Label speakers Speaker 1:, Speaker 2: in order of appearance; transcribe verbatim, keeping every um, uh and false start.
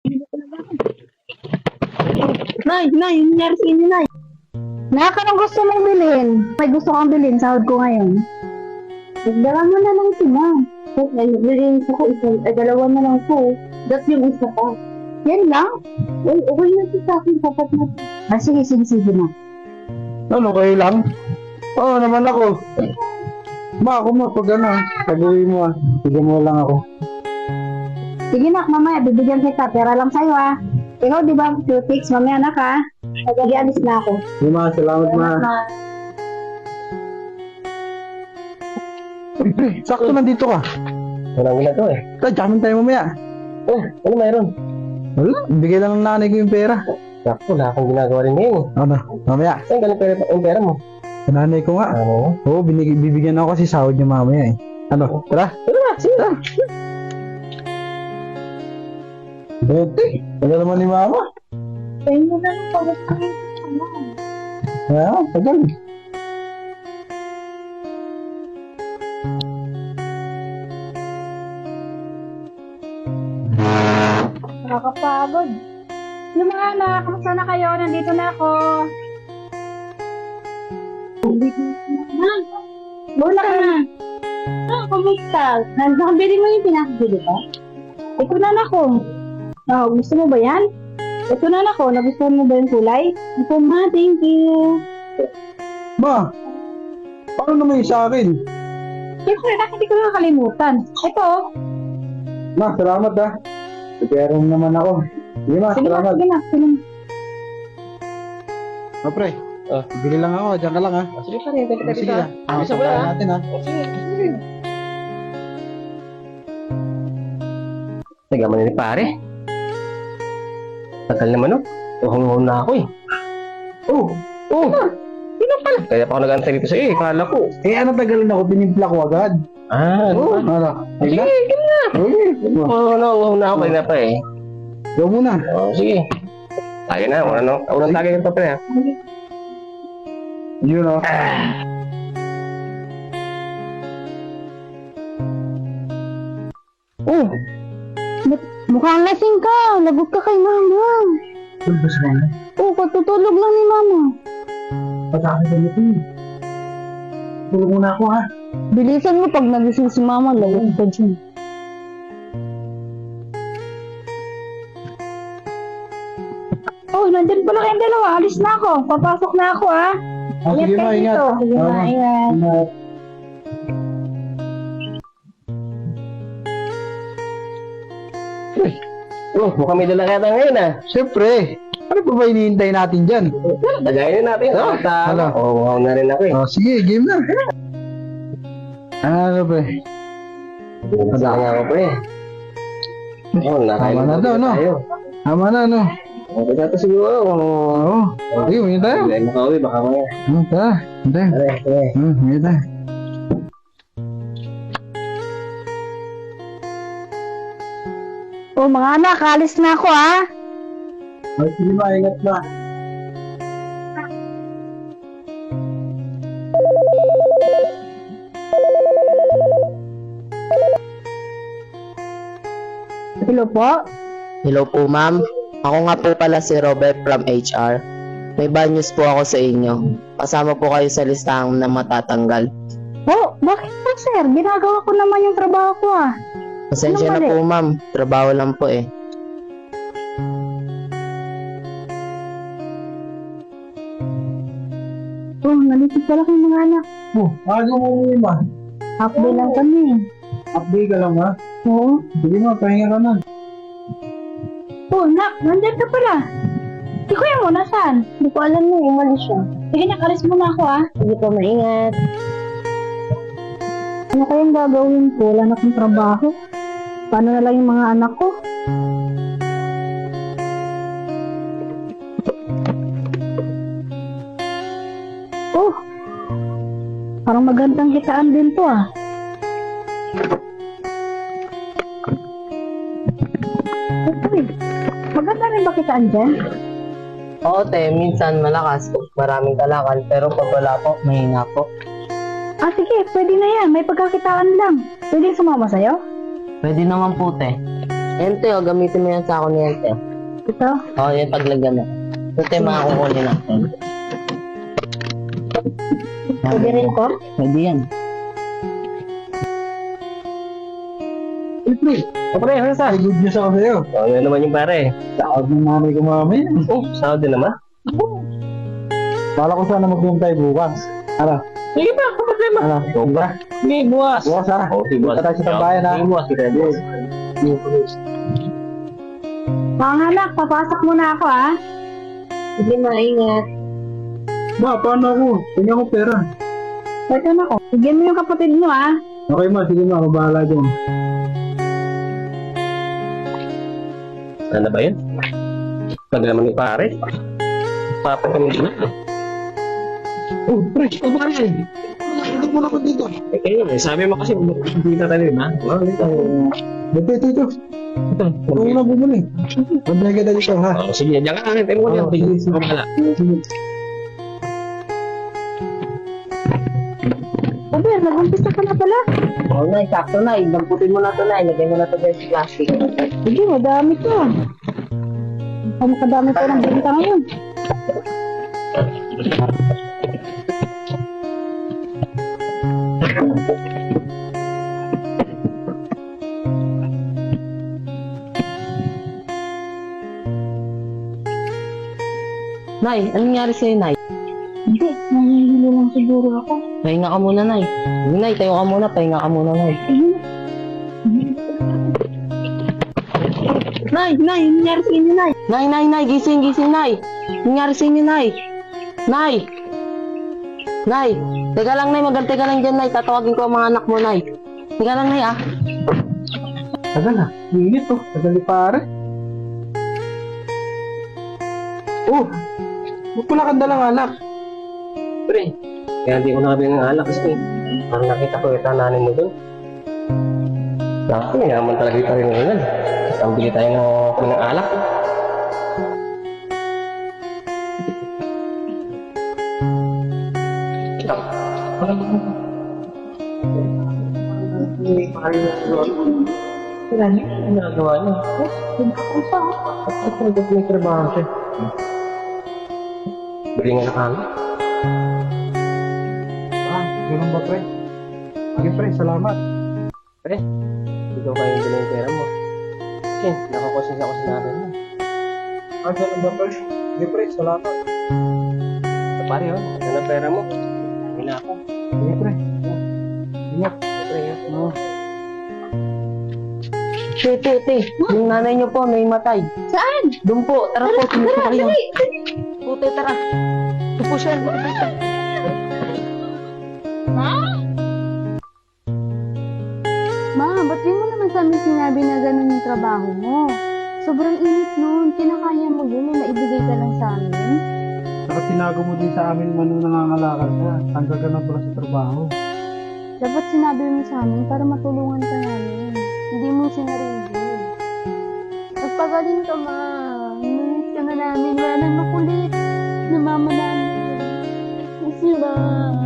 Speaker 1: Nay, Nay, yung nangyari sa inyo, Nay. Nak, anong gusto mong bilhin? May gusto kang bilhin, sahod ko ngayon. Dagdagan mo na lang sila. Ay, bilhin ko ko isa, ay dalawa na lang ko. That's yung isa pa. Yan lang? Ay, okay na siya sa akin, sapat na. Ah, sige, sige, sige na.
Speaker 2: Ano, kayo lang? Oo naman ako. Ma, ako mo, pag ano, pag-uwi mo ah. Bigyan mo lang ako.
Speaker 1: Sige nak, mamaya, bibigyan kita. Pera lang sa'yo ah. Ikaw, di ba, cutics, mamaya anak ha? Nag-alis na ako.
Speaker 2: Di ma, salamat ma. Uy, pre, sakto nandito ka.
Speaker 3: Walang gila to eh.
Speaker 2: Tay, jamin tayo mamaya.
Speaker 3: Oh, ano mayroon?
Speaker 2: Wala, bigay lang ng nanay ko yung pera.
Speaker 3: Naku, wala akong ginagawa rin ngayon eh.
Speaker 2: Ano, mamaya.
Speaker 3: Saan galing pera, yung pera mo?
Speaker 2: Sa nanay ko nga.
Speaker 3: Ano?
Speaker 2: Oo, binig- bibigyan ako kasi sahod niya mamaya eh. Ano, tara.
Speaker 3: Pero na, sige na.
Speaker 2: Bete, tagal naman ni mama.
Speaker 1: Tayo mo na lang pagod ka ngayon.
Speaker 2: Kaya, tagal.
Speaker 1: Nakakapagod. Yung mga anak, kamusta na kayo? Nandito na ako. Bola ka na. Ah, kumusta? Nakabili mo yung pinakabili ko? Ito na na ko. Oh, gusto mo ba yan? Ito na na ko. Nagustuhan mo ba yung kulay? Ito ma, thank you.
Speaker 2: Ma, paano naman yung sa akin?
Speaker 1: Siyempre, bakit hindi ko nakakalimutan? Ito.
Speaker 2: Ma, salamat ah. Pero naman ako. Sige ma,
Speaker 1: Sige na,
Speaker 2: salamat.
Speaker 1: sige na. Sige na.
Speaker 2: Ma, pre.
Speaker 3: Ah.
Speaker 2: Bili lang ako, dyan ka lang ha.
Speaker 3: Sige pa rin, tayo
Speaker 2: Sige na. Ah,
Speaker 3: Bisa ko
Speaker 2: sabayan
Speaker 3: na.
Speaker 2: natin ha.
Speaker 3: Sige, sige. Nagaman na ni pare. Tagal naman oh. Uhong-uhong na ako eh.
Speaker 2: Oh,
Speaker 3: Oh, sino pala? Kaya pa ako nag-antay dito sa iyo eh. Kala ko.
Speaker 2: eh ano tagal na ako, pinimpla ko agad.
Speaker 3: Ah, ano
Speaker 2: Oh,
Speaker 3: ba?
Speaker 2: ano?
Speaker 3: Sige,
Speaker 2: Sige.
Speaker 3: sige na.
Speaker 2: Okay.
Speaker 3: Oo, no, uhong na ako kanina pa eh.
Speaker 2: Go muna.
Speaker 3: Oh, sige. Tayo na, una no. Unang tagay ng papel ha.
Speaker 2: Yun o.
Speaker 1: Oh, mukhang lasing ka. Lagot ka kay mama.
Speaker 2: Tulbos mo na.
Speaker 1: Oh, katutulog lang ni mama.
Speaker 2: Pagkakit sa nito eh. Tulog muna ako ha.
Speaker 1: Bilisan mo pag nagising si mama. Lagot ka dyan. Oh, nandyan pala kayong dalawa. Alis na ako. Papasok na ako, ha?
Speaker 2: Ah, sige ma, ingat.
Speaker 1: Sige
Speaker 2: Ah,
Speaker 1: na, ingat.
Speaker 2: ingat.
Speaker 3: Oh, mukhang may dala kaya tayo ngayon ah.
Speaker 2: Siyempre. Ano pa ba hinihintay natin dyan?
Speaker 3: Tagayin na natin. Oh,
Speaker 2: Ano?
Speaker 3: Oo, oh, wow na rin ako eh.
Speaker 2: Oh, sige, game na. Ano ba?
Speaker 3: Masaya nga ako pa eh. Oh, nakain
Speaker 2: Tama na daw, no?
Speaker 3: tayo.
Speaker 2: Tama na, no?
Speaker 3: Okay na ito siguro.
Speaker 2: Oo. Sige, may tayo.
Speaker 3: Hindi makauwi, baka maya.
Speaker 2: Hmm, tara. Hindi.
Speaker 3: Tara, tara.
Speaker 2: Hmm, may tayo.
Speaker 1: Oh, mga anak, alis na ako, ha?
Speaker 2: Oh, sige ma, ingat ma.
Speaker 1: Hello po?
Speaker 4: Hello po ma'am. Ako nga po pala si Robert from H R. May bad news po ako sa inyo. Kasama po kayo sa listahan na matatanggal.
Speaker 1: Oh, bakit po, sir? Ginagawa ko naman yung trabaho ko, ah.
Speaker 4: Pasensya na
Speaker 1: Anong mali?
Speaker 4: po ma'am. Trabaho lang po eh.
Speaker 1: Oh, nalisip pala kayo mga anak.
Speaker 2: Oh, aga mo uwi ma.
Speaker 1: Half day lang kami.
Speaker 2: Update ka lang ha.
Speaker 1: Oo.
Speaker 2: Sige ma, pahinga ka na.
Speaker 1: Oh, nak, nandyan ka pala. Si kuya mo, nasaan? Hindi ko alam na, umalis siya. Sige, nakalis muna ako, ah. Sige po, maingat. Ano kayang gagawin ko? Wala na akong trabaho. Paano na lang yung mga anak ko? Oh, parang magandang kitaan din to, ah. Uy, maganda rin ba kitaan dyan?
Speaker 4: Oo te, minsan malakas po. Maraming kalakal. Pero pag wala po, mahina po.
Speaker 1: Ah, sige, pwede na yan. May pagkakitaan lang. Pwede sumama sa'yo?
Speaker 4: Pwede naman po te. Ente, o, gamitin mo yan sa ako ni Ente.
Speaker 1: Ito?
Speaker 4: Oo, oh, yan paglagyan mo. Ito yung mga kukunin natin.
Speaker 1: Pwede rin ko?
Speaker 4: Pwede yan.
Speaker 2: Siyempre,
Speaker 3: O pre, ano sa?
Speaker 2: may good news ako sa'yo.
Speaker 3: O, ano naman yung pare?
Speaker 2: Sahod ng nanay ko mamaya.
Speaker 3: Oh, sahod din naman.
Speaker 2: Bala ko sana mag-room tayo bukas. Ano?
Speaker 3: Sige pa, ano problema?
Speaker 2: Ano? Diba?
Speaker 3: Sige, buwas.
Speaker 2: Bukas ha?
Speaker 3: O, sige, buwas.
Speaker 2: Punta tayo sa tambayan, ha?
Speaker 3: Sige, buwas. Sige, buwas.
Speaker 1: Mga anak, papasok muna ako ha. Sige, maingat.
Speaker 2: Ma, paano ako? Tingnan ko pera.
Speaker 1: Ito na ko. Bigyan mo yung kapatid mo ha.
Speaker 2: Okay ma, sige ma, mabahala dyan.
Speaker 3: Ano ba yun? Naglaman ni pare. Papa kami din.
Speaker 2: Oh, pre, ito ba rin? Hindi mo na ako dito.
Speaker 3: Eh, kayo, eh, sabi mo kasi, hindi na tayo, ha? Oh, dito.
Speaker 2: Ito, ito, ito.
Speaker 3: Ito.
Speaker 2: Ito ko na bumuli. Mabaya kita dito ha.
Speaker 3: Oh, sige, diyan ka lang. Tayo mo yan. Bilis ako pala.
Speaker 1: Sabi, nag-umpisa ka na pala.
Speaker 4: Oo, Nay, sakto, Nay. Damputin mo na ito, Nay. Lagay mo na ito dahil sa plastic.
Speaker 1: Sige, madami to. Ang makadami ko ng benta ngayon.
Speaker 4: Nay, anong nangyari sa'yo, Nay?
Speaker 1: Hindi, nangihilo lang siguro ako.
Speaker 4: Pahinga ka muna, Nay. Sige, Nay, tayo ka muna. Pahinga ka muna, Nay.
Speaker 1: Nay, Nay, yung nangyari sa inyo, Nay.
Speaker 4: Nay, Nay, Nay, gising, gising, Nay. Anong nangyari sa inyo, Nay? Nay! Nay! Teka lang, Nay. Magantay ka lang dyan, Nay. Tatawagin ko ang mga anak mo, Nay. Teka lang, Nay, ah.
Speaker 2: Tagal na. Init to. Tagal ni pare. Oh! Ba't wala kang dalang anak?
Speaker 3: Pre, kaya hindi ko nakabili ng alak kasi parang nakita ko yung tananin mo doon. Naku, yaman talaga yung tarin ngayon. Ang bili tayo ng, ng alak.
Speaker 1: Sila niya.
Speaker 3: Ano nagawa niya? At talaga may trabaho siya. Bili nga ng alak.
Speaker 2: Ah, ganun ba pre? Sige pre, salamat.
Speaker 3: Pre, hindi ko kayo bili yung pera mo. Kasi nakakusin ako sa nanay mo.
Speaker 2: Ah, ganun ba pre? Sige pre, salamat.
Speaker 3: Sa pare oh, ano na pera mo? Hindi na ako.
Speaker 2: Sige pre. Ingat.
Speaker 3: Pre, yun.
Speaker 2: Oh.
Speaker 4: Te, te, te. Yung nanay niyo po, may matay.
Speaker 1: Saan?
Speaker 4: Doon po. Tara po, tumusok
Speaker 1: Tara,
Speaker 4: kayo.
Speaker 1: dali.
Speaker 4: Pute, tara. Ito po siya.
Speaker 1: Ma, ba't di mo naman sa amin sinabi na ganun yung trabaho mo? Sobrang init nun. Kinakaya mo yun na maibigay ka lang sa amin.
Speaker 2: Saka tinago mo din sa amin man nung nangangalakal ka. Tanggal ka na pala sa trabaho.
Speaker 1: Dapat sinabi mo sa amin para matulungan ka namin. Hindi mo sinarili. Magpagaling ka, ma. Nulit ka na namin. Wala nang makulit. Na mama namin. Miss you, ma.